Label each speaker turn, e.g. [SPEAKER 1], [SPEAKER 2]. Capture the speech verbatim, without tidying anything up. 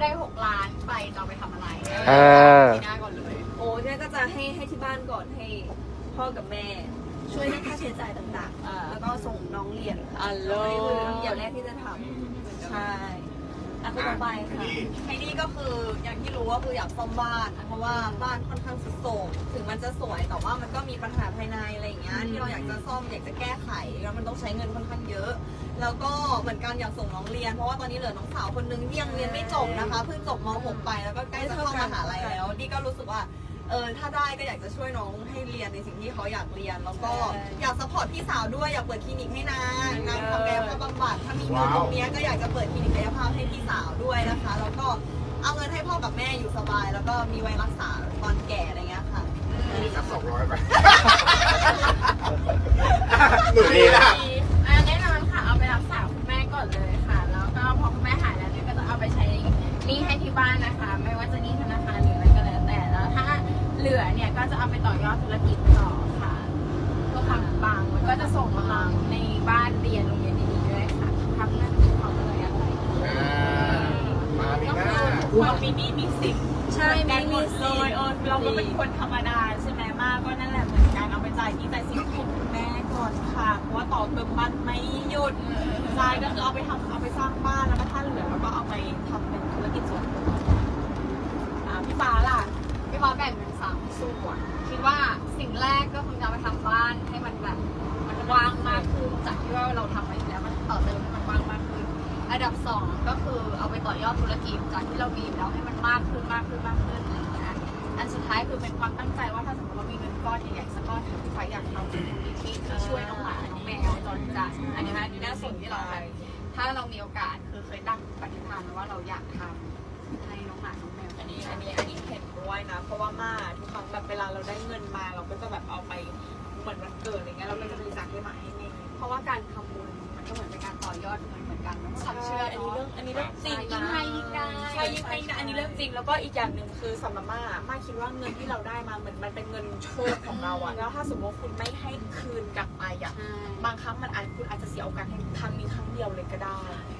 [SPEAKER 1] ได้หกล้านไปจะเอาไปทำอะไรเ
[SPEAKER 2] ออ
[SPEAKER 1] ปีหน้าก่อนเลย
[SPEAKER 3] โอ้เนี่ยก็จะให้ให้ที่บ้านก่อนให้พ่อกับแม่ช่วยเรื่องค่าใช้จ่ายต่างๆแล้วก็ส่งน้องเรียน
[SPEAKER 1] อัลโหล
[SPEAKER 3] นี่คืออย่างแรกที่จะทำใช่แล้วก็ต่อไปค่ะไฮดี้ก็คืออย่างที่รู้ว่าคืออยากซ่อมบ้านเพราะว่าบ้านค่อนข้างสุดโทรมถึงมันจะสวยแต่ว่ามันก็มีปัญหาภายในอะไรอย่างเงี้ยที่เราอยากจะซ่อมอยากจะแก้ไขแล้วมันต้องใช้เงินค่อนข้างเยอะ แล้วก็เหมือนกันอยากส่งน้องเรียนเพราะว่าตอนนี้เหลือน้องสาวคนนึงที่ยังเรียนไม่จบนะคะเพิ่งจบม หก ไปแล้วก็ใกล้จะเข้ามหาลัยแล้วดี้ก็รู้สึกว่าเออถ้าได้ก็อยากจะช่วยน้องให้เรียนในสิ่งที่เขาอยากเรียนแล้วก็อยากซัพพอร์ตพี่สาวด้วยอยากเปิดคลินิกให้นางนางทำกายภาพบำบัดถ้ามีเงินตรงนี้ก็อยากจะเปิดคลินิกกายภาพให้พี่สาวด้วยนะคะแล้วก็เอาเงินให้พ่อกับแม่อยู่สบายแล้วก็มีไว้รักษาตอนแก่อะไรเงี้ยค่ะ
[SPEAKER 4] มีสักสองร้อยไปหนูดีนะ
[SPEAKER 1] อ่าแน่นอนค่ะเอาไปรักษาคุณแม่ก่อนเลยค่ะแล้วก็พอคุณแม่หายแล้วเนี่ยก็จะเอาไปใช้หนี้ให้ที่บ้านนะคะไม่ว่าจะหนี้ธนาคารหรืออะไรก็แล้วแต่แล้วถ้าเหลือเนี่ยก็จะเอาไปต่อยอดธุรกิจต่อค่ะเพื่อความปังมันก็จะส่งพลังในบ้านเรียนโรงเรียนดีๆด้วยค่ะทำเรื่องที่เขาเลยอะไร
[SPEAKER 4] มาปีหน้า
[SPEAKER 5] เรามีหนี้มีสิน
[SPEAKER 3] ใช่มีมี
[SPEAKER 5] เล
[SPEAKER 3] สิ
[SPEAKER 5] ยเออเราก็เป็นคนธรรมดาใช่ไหมมากก็นั่นแหละเหมือนกันเอาไปจ่ายหนี้จ่ายสินให้คุณแม่ก่อนค่ะเพราะว่าต่อเติมบ้านไม่หยุดจ่ายก็คือเอาไปทำเอาไปสร้างบ้านแล้วก็ถ้าเหลือเราก็เอาไปทำเป็นธุรกิจส่วนตัวอ่าพี่ฟ้าล่ะ
[SPEAKER 1] พี่ฟ้าแบ่งเป็นสามส่วนคิดว่าสิ่งแรกก็คงจะเอาไปทำบ้านให้มันแบบมันว่างมากขึ้นจากที่ว่าเราทำไว้อยู่แล้วมันต่อเติมให้มันว่างมากขึ้นอันดับสองก็คือเอาไปต่อยอดธุรกิจจากที่เรามีอยู่แล้วให้มันมากขึ้นมากขึ้นมากขึ้นอะไรอย่างเงี้ยอันสุดท้ายคือเป็นความตั้งใจว่าถ้าสมมติว่ามีเงินก้อนใหญ่ๆสักก้อนหนึ่งพี่ฟ้าอยากทำเป็นมูลนิธิที่ช่วยน้องหมาน้องแมวจรจัดอันนี้นะอันนี้น่าสนที่เราแบบถ้าเรามีโอกาสคือเคยตั้งปณิธานไว้ว่าเราอยากทำให้น้องหมาน้องแมว
[SPEAKER 5] อันนี้อันนี้อันนี้เห็นด้วยนะเพราะว่ามาทุกครั้งแบบเวลาเราได้เงินมาเราก็จะแบบเอาไปเหมือนวันเกิดอะไรเงี้ยเราก็จะบริจาคให้หมาให้แม่
[SPEAKER 1] เพราะว่าการทำบุญมันก็เหมือนเป็นการต่อยอดเงินเหมือนกันนะความ
[SPEAKER 5] ใช่
[SPEAKER 1] เชื่อ
[SPEAKER 5] อันนี้
[SPEAKER 1] เนาะ
[SPEAKER 5] เรื่องอันนี้เรื่องจริง
[SPEAKER 1] ยิ่ง
[SPEAKER 5] นะ
[SPEAKER 1] ให้ยิ่งได้
[SPEAKER 5] ใช่ยิ่งให้นะอันนี้เรื่องจริงแล้วก็อีกอย่างหนึ่งคือสำหรับม่าม่าคิดว่าเงินที่เราได้มาเหมือนมันเป็นเงินโชคของเราอะแล้วถ้าสมมติคุณไม่ให้คืนกลับไปอะบางครั้งมันอาจคุณอาจจะเสียโอกาสครั้งนี้ครั้งเดียวเลยก็ได้